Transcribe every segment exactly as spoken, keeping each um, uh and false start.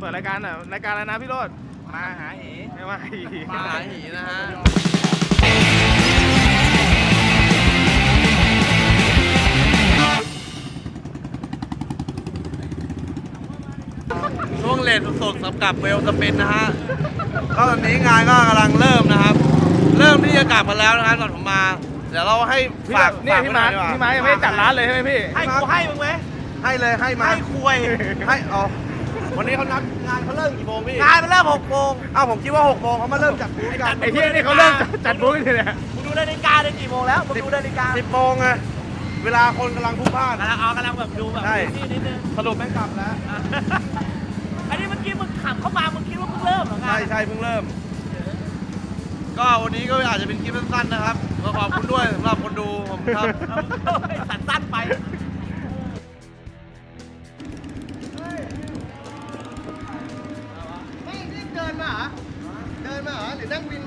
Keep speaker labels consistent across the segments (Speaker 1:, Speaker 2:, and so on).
Speaker 1: ปิดรายการอ่ะรายการอะไรนะพี่โรจน์
Speaker 2: มาหาหี
Speaker 1: ไม่ว่าหี
Speaker 2: มาหาหีนะฮะช่วงเลนสุดๆสำหรับเวลสปินนะฮะก็ตอนนี้งานก็กำลังเริ่มนะครับ เริ่มที่จะกลับมาแล้วนะครับตอนผมมาเดี๋ยวเราให้ฝาก
Speaker 1: เนี่ยพี่มาร์คพี่มาร์คยังไม่ได้จัดร้านเลยใช่ไหมพี่
Speaker 2: ให้กูให้มึงไหมให้เลยให้มาให้คุยให้อ๋อวันนี้เขานัดงานเขาเริ่มกี่โมงพี่งานมันเริ่มหกโมงอ้าวผมคิดว่าหกโมงเขามาเริ่มจัดบูธกัน
Speaker 1: ไอ้เหี้ยนี่เขาเริ่มจัดบูธกันเลยเนี่ย
Speaker 2: มึงดูนาฬิกาได้กี่โมงแล้วมึงดูนาฬิกาสิบโมงไงเวลาคนกำลังพลุกพล่านกำลังเอากำลังแบบดูแบบนี่นิดนึงสรุปไม่กลับแล้ว
Speaker 3: อันนี้เมื่อกี้มึงขับเข้ามามึงคิดว่าเพิ่งเริ่มเหรอไง
Speaker 2: ใช่ใช่เพิ่งเริ่มก็วันนี้ก็อาจจะเป็นคลิปสั้นๆนะครับก็ขอบคุณด้วยสำหรับคนดูผมครับ
Speaker 3: สันสั้นไป
Speaker 4: ไม่รีบเดินมาเหรอ เดินมาเหรอหรือนั่งวินมา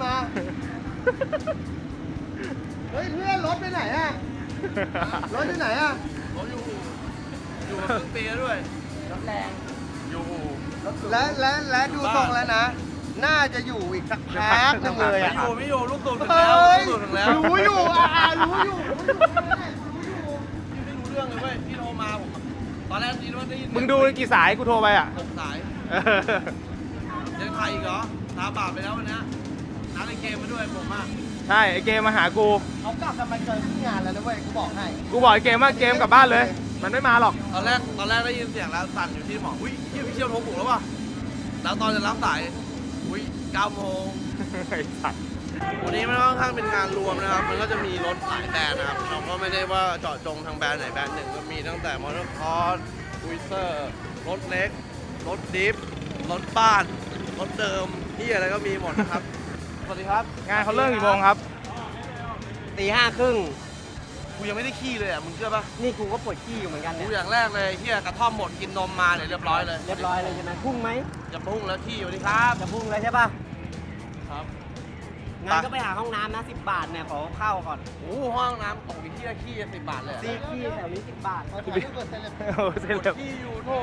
Speaker 4: เฮ้ยเพื่อนรถไปไหนอะรถไปไหนอะ
Speaker 2: ผมอยู่อยู่มาครึ่งปีแล้วด้วย
Speaker 3: รถแรง
Speaker 2: อยู่
Speaker 4: และและและดูทรงแล้วนะ น่าจะอยู่อีกสักพักนึงเลย
Speaker 2: ไม่
Speaker 4: อะ
Speaker 2: อยู่ไม่อยู่ลูกตูดถึง
Speaker 4: เฮ
Speaker 2: แล้ว
Speaker 4: ้ย
Speaker 2: ลูกตูดถึงแล้ว
Speaker 4: รู้อยู่อ่ารู้อยู่รู้อยู่
Speaker 2: พี่ไม่รู้เรื่องเลยเว้ยพี่โทรมาผมตอนแรกนี่ว่าได้ยิน
Speaker 1: มึงดูกี่สายกูโทรไปอ่ะ
Speaker 2: หกสายยังไทยอีกเหรอตาบาปไปแล้ววันนี้นัดในเกมมาด้วยผมอ่ะ
Speaker 1: ใช่ไอเกมมาหากู
Speaker 4: เขากลับกันมาเจอที่งานแล้วนะเว้ย กูบอกให้
Speaker 1: กูบอกไอเกมว่าเกมกลับบ้านเลย มันไม่มาหรอก
Speaker 2: ตอนแรกตอนแรกได้ยินเสียงแล้วสั่นอยู่ที่หมออุ้ยพี่พี่เชี่ยวโทรปลุกแล้วว่ะแล้วตอนจะรับสายอุ้ยเก้าโมง
Speaker 1: ไอ้สัตว์
Speaker 2: วันนี้มันค่อนข้างเป็นงานรวมนะครับ มันก็จะมีรถหลายแบรนด์นะครับ เราก็ไม่ได้ว่าเจาะจงทางแบรนด์ไหนแบรนด์หนึ่งก็มีตั้งแต่มอเตอร์คอร์สอุยเซอร์รถเล็ก รถดิฟ รถบ้าน รถเดิมที่อะไรก็มีหมดนะครับ สวัสดีครับ
Speaker 1: งานเขาเริ่มกี่โมงครับ
Speaker 4: ตีห้าครึ่ง
Speaker 2: กูยังไม่ได้ขี้เลยอ่ะ มึงเชื่อปะ
Speaker 4: นี่กูก็ปวดขี้อยู่เหมือนกัน
Speaker 2: กู
Speaker 4: เนี่ย
Speaker 2: อย่างแรกเลยเฮียกระท่อมหมดกินนมมาเนี่ยเรียบร้อยเลย
Speaker 4: เรียบร้อยเลยใช่ไหมพุ่งไหม
Speaker 2: จะพุ่งแล้วขี้สวัสดีครับ
Speaker 4: จะพุ่งเลยใช่ป่ะ
Speaker 2: ครับ
Speaker 4: งั้นก็ไปหาห้องน้ำนะสิบบาทเนี่ยขอเข้าก่อน
Speaker 2: โอ้โหห้องน้ำของพี่เฮียขี้สิบบาทเลยเหรอ
Speaker 4: ซีขี้แถวนี้สิบบาทเขาจะไม่กดเซเลบ
Speaker 1: โอ้เซ็นเลย
Speaker 2: ขี้อยู่โถ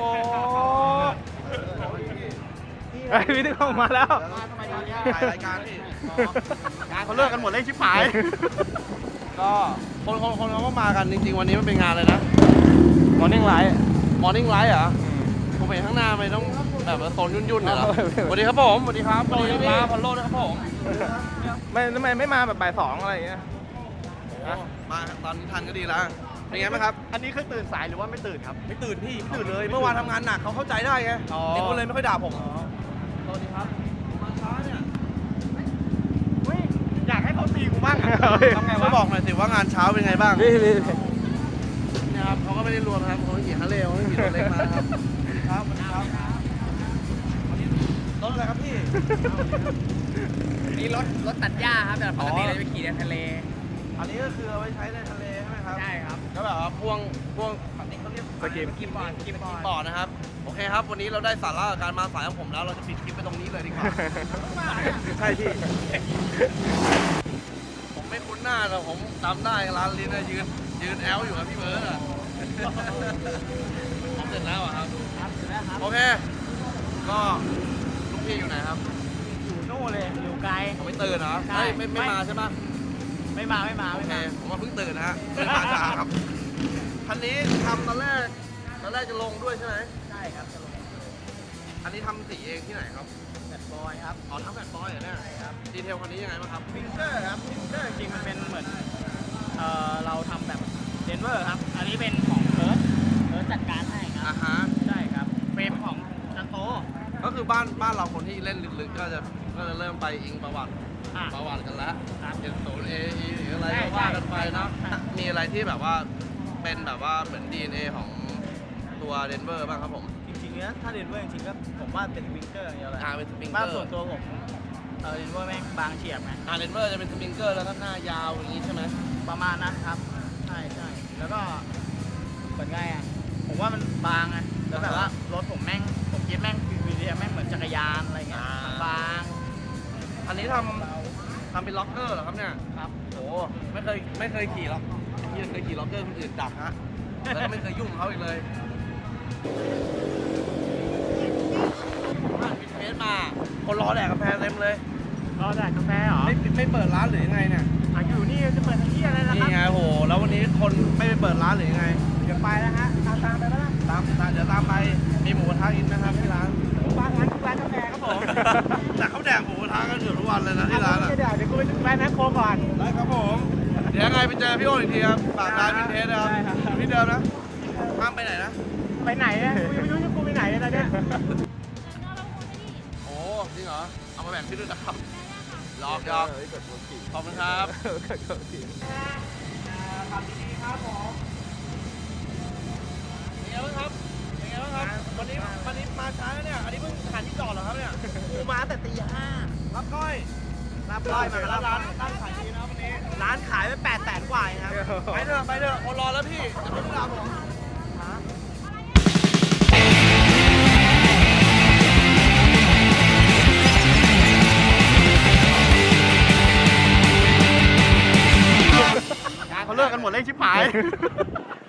Speaker 1: ไอ้พี่นึกออกมาแล้ว
Speaker 2: ถ่ายรายการพี่
Speaker 4: งานเขาเลิกกันหมดเลยชิบหาย
Speaker 2: ก็คนคนคนเขาก็มากันจริงๆวันนี้มันเป็นงานเลยนะ
Speaker 1: มอร์นิ่งไลท์
Speaker 2: มอร์นิ่งไลท์เหรอผมเห็นข้างหน้าไม่ต้องแบบว่าโซนยุ่นๆเหรอสวัสดีครับผมสวัสดีครับสวัสดีครับพันโลด้วยครับผม
Speaker 1: ไม่ทำไมไม่มาแบบบ่ายสองอะไรอย่างเงี้ย
Speaker 2: มาตอนนี้ทันก็ดีแล้วเป็นไงบ้างครับ
Speaker 4: อันนี้คือตื่นสายหรือว่าไม่ตื่นครับ
Speaker 2: ไม่ตื่นพี่ไม่ตื่นเลยเมื่อวานทำงานหนักเขาเข้าใจได้ไง
Speaker 4: อ๋อ
Speaker 2: เด็กคนเลยไม่ค่อยด่าผมสวัสดีครับมาช้าเนี่ย
Speaker 4: อยากให้เขาตีกูบ้างอะ
Speaker 2: ทำไงวะบอกหน่อยสิว่างานเช้าเป็นไงบ้าง
Speaker 1: พี่พี่
Speaker 2: เนี่ยครับเขาก็ไม่ได้รวมนะครับเขาไม่ขี่ฮาร์เลย์เขาไม่ขี่รถเล็กมานะครับครับสวัสดีครับรถอะไรครับพี่
Speaker 3: นี่รถรถตัดหญ้าครับแต่ปกติเราจะไปขี่ในทะเล
Speaker 2: อันนี้ก็คือเอาไว้ใช้ในทะเลใช่ไหมครับ
Speaker 3: ใช่ครับ
Speaker 2: ก็แบบว่าพ่วงพ่วงอันนี้เขาเรียก
Speaker 1: สกิป
Speaker 3: กิบบอร์ดกิบบอร์ด
Speaker 2: บอร์ดนะครับโอเคครับวันนี้เราได้สาระกับการมาสายของผมแล้วเราจะปิดคลิปไปตรงนี้เลยดีกว่า ใช่พี่ผมไม่คุ้นหน้าแต่ผมจำได้ร้านลิ้นนะยืนยืนแอลอยู่กับพี่เบิร์ดอะผมเสร็จแล้วอะครับโอเคก็ลูกพี่อยู่ไหนครับ
Speaker 3: อยู่นู่นเลยอยู่ไกล
Speaker 2: ผมไม่ตื่นเหรอ
Speaker 3: ใช่
Speaker 2: ไม่ไม่ไม่มาใช่ไหม
Speaker 3: ไม่มาไม่มา
Speaker 2: โอ
Speaker 3: ไม่
Speaker 2: เค
Speaker 3: มา
Speaker 2: ผมว่าเพิ่งตื่นนะฮะเพิ่งมาช้าครับคันนี้ทำตอนแรกตอนแรกจะลงด้วยใช่ไหม
Speaker 3: ใช่ครับจะลง
Speaker 2: อันนี้ทำสีเองที่ไหนครับ
Speaker 3: แบดบอยครับ
Speaker 2: อ๋อทำแบบบอยเหรอเนี่ย
Speaker 3: ใช่ครับ
Speaker 2: ดีเทลคันนี้ยังไงบ้างครับ
Speaker 3: ฟิงเกอร์ครับฟิงเกอร์จริงมันเป็นเหมือนเอ่อเราทำแบบเดนเวอร์ครับ อันนี้เป็นของเอิร์ธเอิร์ธจัดการให้ค
Speaker 2: อ่า
Speaker 3: รับ
Speaker 2: ฮะ
Speaker 3: ใช่ครับเฟรมของจันโต
Speaker 2: ก็คือบ้านบ้านเราคนที่เล่นลึกๆก็จะก็จะเริ่มไปอิงประวัติ
Speaker 3: อ่ะ
Speaker 2: ประวัติกันแล้ว
Speaker 3: ครับ
Speaker 2: เห็นศูนย์เอหรืออะไร
Speaker 3: ใช่
Speaker 2: ก็ว่ากันไปเนาะ
Speaker 3: ใช่
Speaker 2: มีอะไรที่แบบว่าเป็นแบบว่าเหมือน ดี เอ็น เอ ของตัวเดนเวอร์บ้างครับผม
Speaker 3: จริงๆเนี้ยถ้าเดนเวอร์จริงๆก็ผมว่าเป็นฟิงเกอร์อย่างเดียวเลย
Speaker 2: อ่าเป็นสปริงเก
Speaker 3: บ้า
Speaker 2: อน ร์
Speaker 3: ส่วนตัวผมเออเดนเวอร์แม่งบางเฉียบไง
Speaker 2: อ่าเดนเวอร์จะเป็นสปริงเกอร์แล้วก็หน้ายาวอย่างนี้ใช่ไหม
Speaker 3: ประมาณนั้นครับ ใช่ใช่แล้วก็เหมือนไงอ่ะผมว่ามันบางไงแล้วแบบว่ารถผมแม่งผมคิดแม่งวีดีแม่งเหมือนจักรยานอะไรเงี้ยมันบาง
Speaker 2: อันนี้ทำทำเป็นล็อกเกอร์เหรอครับเนี่ย
Speaker 3: ครับ
Speaker 2: โอ้ไม่เคยไม่เคยขี่หรอกพี่เคยขี่ล็อกเกอร์คนอื่นดักฮะแล้วก็ไม่เคยยุ่งกับเขาอีกเลยรอแดกกาแฟเต็มเลย
Speaker 3: รอแดกกาแฟเหรอ
Speaker 2: ไม่ไม่เปิดร้านหรือยังไงเนี่ย
Speaker 3: อ่ะอยู่นี่จะเปิดที่อะไรนะค
Speaker 2: นี่
Speaker 3: รับ
Speaker 2: ไงโหแล้ววันนี้คนไม่ไปเปิดร้านหรือยังไง
Speaker 3: เดี๋ยวไปแล้วฮะตามตามไปแล้วนะ
Speaker 2: ตามตามเดี๋ยวตามไปมีหมูกระทะกินนะครับที่ร้าน
Speaker 3: ร้านร้านร้านกาแฟครับผม
Speaker 2: แต่เขาแดกหมูกระทะกันอยู่ทุกวันเลยนะที่ร้านอ่ะ
Speaker 3: เดี๋ยวเดี๋ยวกูไปแวะแมคโครก่อน
Speaker 2: ได้ครับผมเดี๋ยวยังไงไปเจอพี่โอ๊ตอีกทีครับฝากร้านวินเทจนะครับ
Speaker 3: ได้ครับ
Speaker 2: อยู่ที่เดิมนะห้ามไปไหนนะ
Speaker 3: ไปไหนอ่ะกูยังไม่รู้จะกูไปไหนเลยตอนเนี้ย
Speaker 2: โอ้จริงเหรอเอามาแบ่งพี่ด้วยนะครับหยอกหยอกขอบคุณครับ
Speaker 3: ขับดีๆครับผม
Speaker 2: เป็นไงบ้างครับเป็นไงบ้างครับวันนี้วันนี้มาช้าแล้วเนี่ยอันนี้เพิ่งหาที่จอดเหรอครับเนี่ย
Speaker 3: กูมาแต่ตีห้า
Speaker 2: รับก้อย
Speaker 3: รับร้อยมา
Speaker 2: ร้า
Speaker 3: รั
Speaker 2: น
Speaker 3: บ
Speaker 2: ร้านร้านขายดีนะวันนี้
Speaker 3: ร้านขายไปแปดแสนกว่าเองครับ
Speaker 2: ไปเถอะไปเถอะคนรอแล้วพี่จะไม่เวลาผม
Speaker 3: เขาเลิกกันหมดเลยชิบหาย